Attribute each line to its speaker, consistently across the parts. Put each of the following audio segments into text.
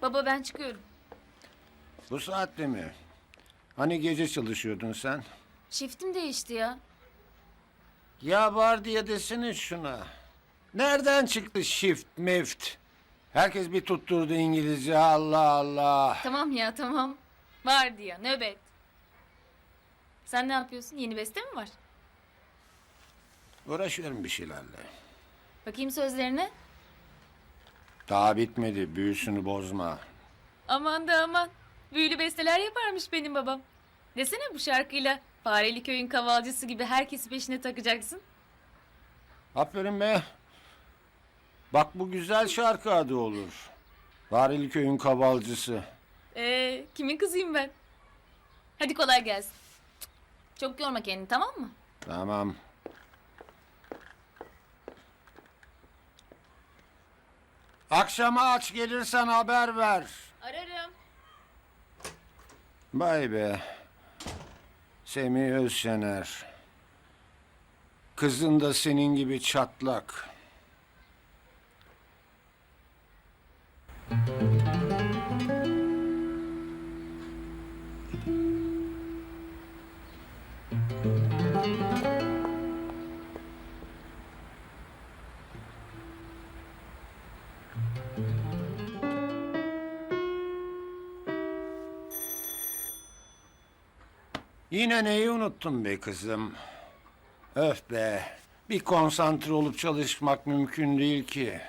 Speaker 1: Baba ben çıkıyorum.
Speaker 2: Bu saatte mi? Hani gece çalışıyordun sen?
Speaker 1: Shiftim değişti ya.
Speaker 2: Ya var diye desene şuna. Nereden çıktı shift meft? Herkes bir tutturdu İngilizce, Allah Allah.
Speaker 1: Tamam ya tamam. Vardı ya nöbet. Sen ne yapıyorsun? Yeni beste mi var?
Speaker 2: Uğraşıyorum bir şeylerle.
Speaker 1: Bakayım sözlerine.
Speaker 2: Daha bitmedi, büyüsünü bozma.
Speaker 1: Aman da aman. Büyülü besteler yaparmış benim babam. Desene bu şarkıyla Fareli Köyün kavalcısı gibi herkesi peşine takacaksın.
Speaker 2: Aferin be. Bak bu güzel şarkı adı olur. Varili köyün kavalcısı.
Speaker 1: Kimin kızıyım ben? Hadi kolay gelsin. Çok yorma kendini tamam mı?
Speaker 2: Tamam. Akşama aç gelirsen haber ver.
Speaker 1: Ararım.
Speaker 2: Vay be. Semih Özşener. Kızın da senin gibi çatlak. Yine neyi unuttun be kızım? Öf be. Bir konsantre olup çalışmak mümkün değil ki.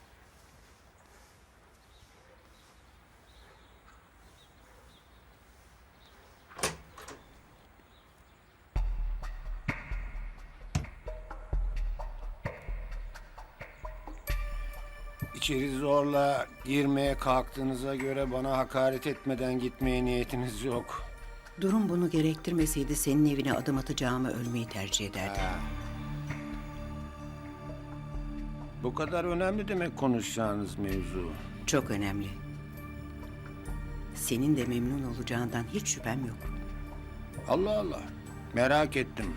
Speaker 2: İçeri zorla girmeye kalktığınıza göre bana hakaret etmeden gitmeye niyetiniz yok.
Speaker 3: Durum bunu gerektirmeseydi senin evine adım atacağımı ölmeyi tercih ederdim.
Speaker 2: Bu kadar önemli demek konuşacağınız mevzu.
Speaker 3: Çok önemli. Senin de memnun olacağından hiç şüphem yok.
Speaker 2: Allah Allah. Merak ettim.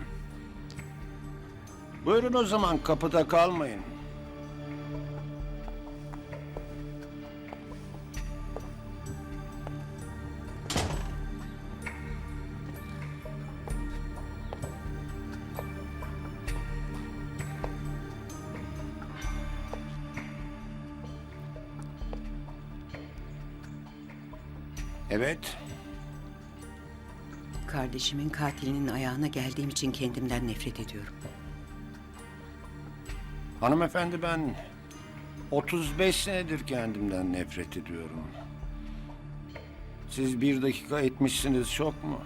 Speaker 2: Buyurun o zaman kapıda kalmayın. Evet.
Speaker 3: Kardeşimin katilinin ayağına geldiğim için kendimden nefret ediyorum.
Speaker 2: Hanımefendi ben 35 senedir kendimden nefret ediyorum. Siz bir dakika etmişsiniz çok mu?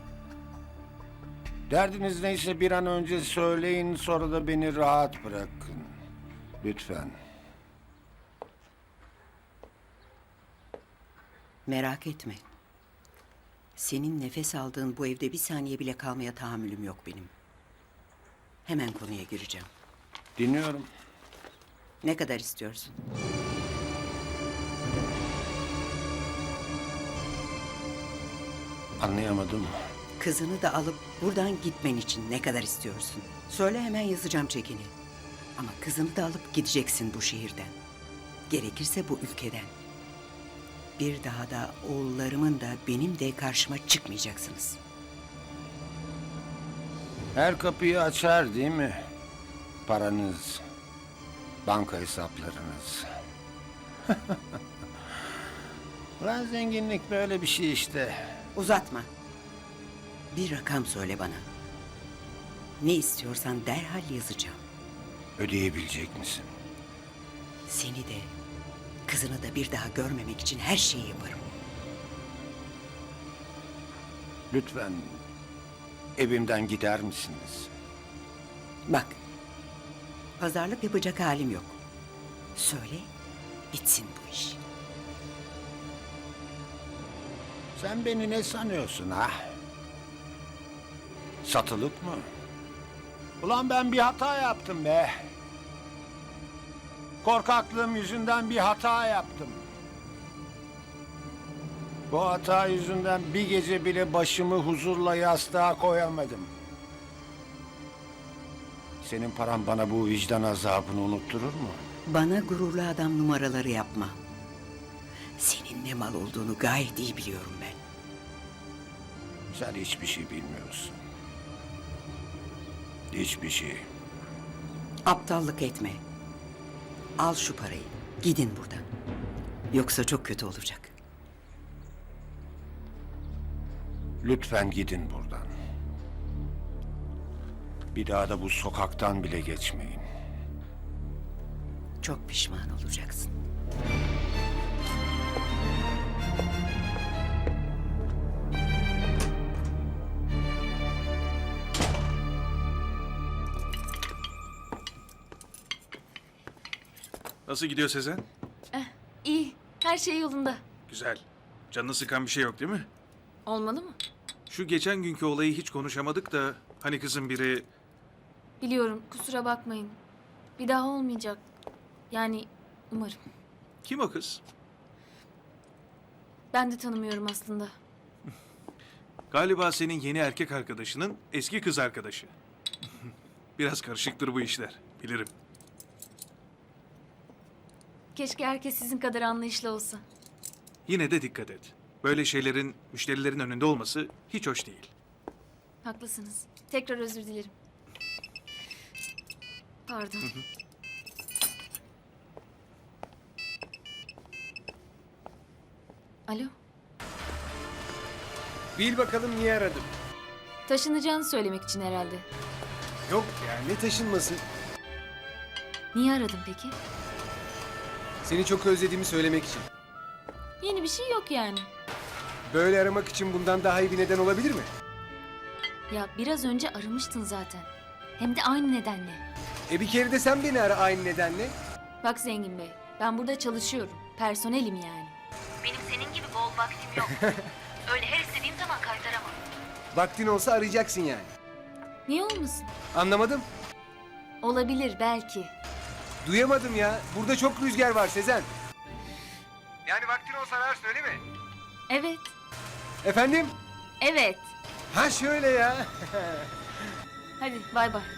Speaker 2: Derdiniz neyse bir an önce söyleyin sonra da beni rahat bırakın. Lütfen.
Speaker 3: Merak etme. Senin nefes aldığın bu evde bir saniye bile kalmaya tahammülüm yok benim. Hemen konuya gireceğim.
Speaker 2: Dinliyorum.
Speaker 3: Ne kadar istiyorsun?
Speaker 2: Anlayamadım.
Speaker 3: Kızını da alıp buradan gitmen için ne kadar istiyorsun? Söyle hemen yazacağım çekini. Ama kızını da alıp gideceksin bu şehirden. Gerekirse bu ülkeden. Bir daha da oğullarımın da benim de karşıma çıkmayacaksınız.
Speaker 2: Her kapıyı açar değil mi? Paranız, banka hesaplarınız. Lan zenginlik böyle bir şey işte.
Speaker 3: Uzatma. Bir rakam söyle bana. Ne istiyorsan derhal yazacağım.
Speaker 2: Ödeyebilecek misin?
Speaker 3: Seni de, kızını da bir daha görmemek için her şeyi yaparım.
Speaker 2: Lütfen evimden gider misiniz?
Speaker 3: Bak, pazarlık yapacak halim yok. Söyle, bitsin bu iş.
Speaker 2: Sen beni ne sanıyorsun ha? Satılık mı? Ulan ben bir hata yaptım be. Korkaklığım yüzünden bir hata yaptım. Bu hata yüzünden bir gece bile başımı huzurla yastığa koyamadım. Senin paran bana bu vicdan azabını unutturur mu?
Speaker 3: Bana gururlu adam numaraları yapma. Senin ne mal olduğunu gayet iyi biliyorum ben.
Speaker 2: Sen hiçbir şey bilmiyorsun. Hiçbir şey.
Speaker 3: Aptallık etme. Al şu parayı. Gidin buradan. Yoksa çok kötü olacak.
Speaker 2: Lütfen gidin buradan. Bir daha da bu sokaktan bile geçmeyin.
Speaker 3: Çok pişman olacaksın.
Speaker 4: Nasıl gidiyor Sezen?
Speaker 1: İyi. Her şey yolunda.
Speaker 4: Güzel. Canını sıkan bir şey yok değil mi?
Speaker 1: Olmalı mı?
Speaker 4: Şu geçen günkü olayı hiç konuşamadık da hani kızın biri...
Speaker 1: Biliyorum. Kusura bakmayın. Bir daha olmayacak. Yani umarım.
Speaker 4: Kim o kız?
Speaker 1: Ben de tanımıyorum aslında.
Speaker 4: Galiba senin yeni erkek arkadaşının eski kız arkadaşı. Biraz karışıktır bu işler. Bilirim.
Speaker 1: Keşke herkes sizin kadar anlayışlı olsa.
Speaker 4: Yine de dikkat et. Böyle şeylerin müşterilerin önünde olması hiç hoş değil.
Speaker 1: Haklısınız. Tekrar özür dilerim. Pardon. Alo.
Speaker 5: Bil bakalım niye aradım.
Speaker 1: Taşınacağını söylemek için herhalde.
Speaker 5: Yok yani ne taşınması.
Speaker 1: Niye aradın peki?
Speaker 5: Seni çok özlediğimi söylemek için.
Speaker 1: Yeni bir şey yok yani.
Speaker 5: Böyle aramak için bundan daha iyi bir neden olabilir mi?
Speaker 1: Ya biraz önce aramıştın zaten. Hem de aynı nedenle.
Speaker 5: Bir kere de sen beni ara aynı nedenle.
Speaker 1: Bak Zengin Bey, ben burada çalışıyorum. Personelim yani. Benim senin gibi bol vaktim yok. Öyle her istediğim zaman kaytaramam.
Speaker 5: Vaktin olsa arayacaksın yani.
Speaker 1: Niye olmasın?
Speaker 5: Anlamadım.
Speaker 1: Olabilir belki.
Speaker 5: Duyamadım ya. Burada çok rüzgar var Sezen. Yani vaktin olsa ararsın öyle mi?
Speaker 1: Evet,
Speaker 5: Efendim?
Speaker 1: evet.
Speaker 5: Ha şöyle ya.
Speaker 1: Hadi bay bay.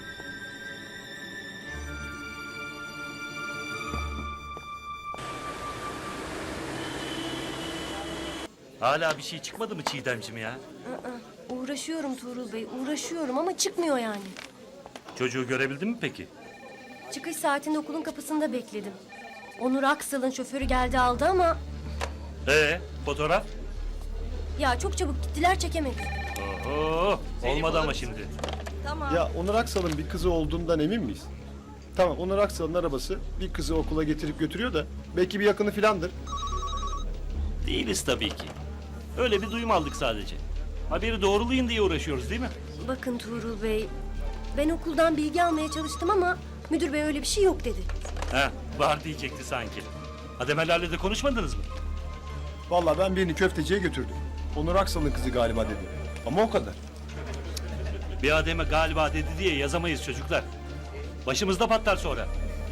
Speaker 6: Hala bir şey çıkmadı mı Çiğdemciğim ya?
Speaker 7: Uğraşıyorum Tuğrul Bey, uğraşıyorum ama çıkmıyor yani.
Speaker 6: Çocuğu görebildin mi peki?
Speaker 7: Çıkış saatinde okulun kapısında bekledim. Onur Aksal'ın şoförü geldi aldı ama...
Speaker 6: Fotoğraf?
Speaker 7: Ya çok çabuk gittiler çekemedik.
Speaker 6: Oho, olmadı ama şimdi.
Speaker 8: Ya Onur Aksal'ın bir kızı olduğundan emin miyiz? Tamam, Onur Aksal'ın arabası bir kızı okula getirip götürüyor da belki bir yakını filandır.
Speaker 6: Değiliz tabii ki. Öyle bir duyum aldık sadece. Haberi doğrulayın diye uğraşıyoruz değil mi?
Speaker 7: Bakın Tuğrul Bey, ben okuldan bilgi almaya çalıştım ama müdür bey öyle bir şey yok dedi.
Speaker 6: Var diyecekti sanki. Ademelerle de konuşmadınız mı?
Speaker 8: Vallahi ben birini köfteciye götürdüm. Onur Aksal'ın kızı galiba dedi. Ama o kadar.
Speaker 6: Bir ademe galiba dedi diye yazamayız çocuklar. Başımızda patlar sonra.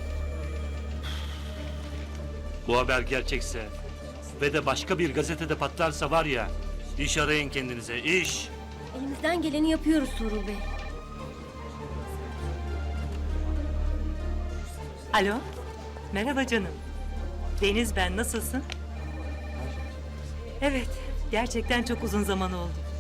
Speaker 6: Bu haber gerçekse ve de başka bir gazetede patlarsa var ya, iş arayın kendinize, iş.
Speaker 7: Elimizden geleni yapıyoruz Tuğrul Bey.
Speaker 9: Alo, merhaba canım. Deniz ben, nasılsın? Evet, gerçekten çok uzun zaman oldu.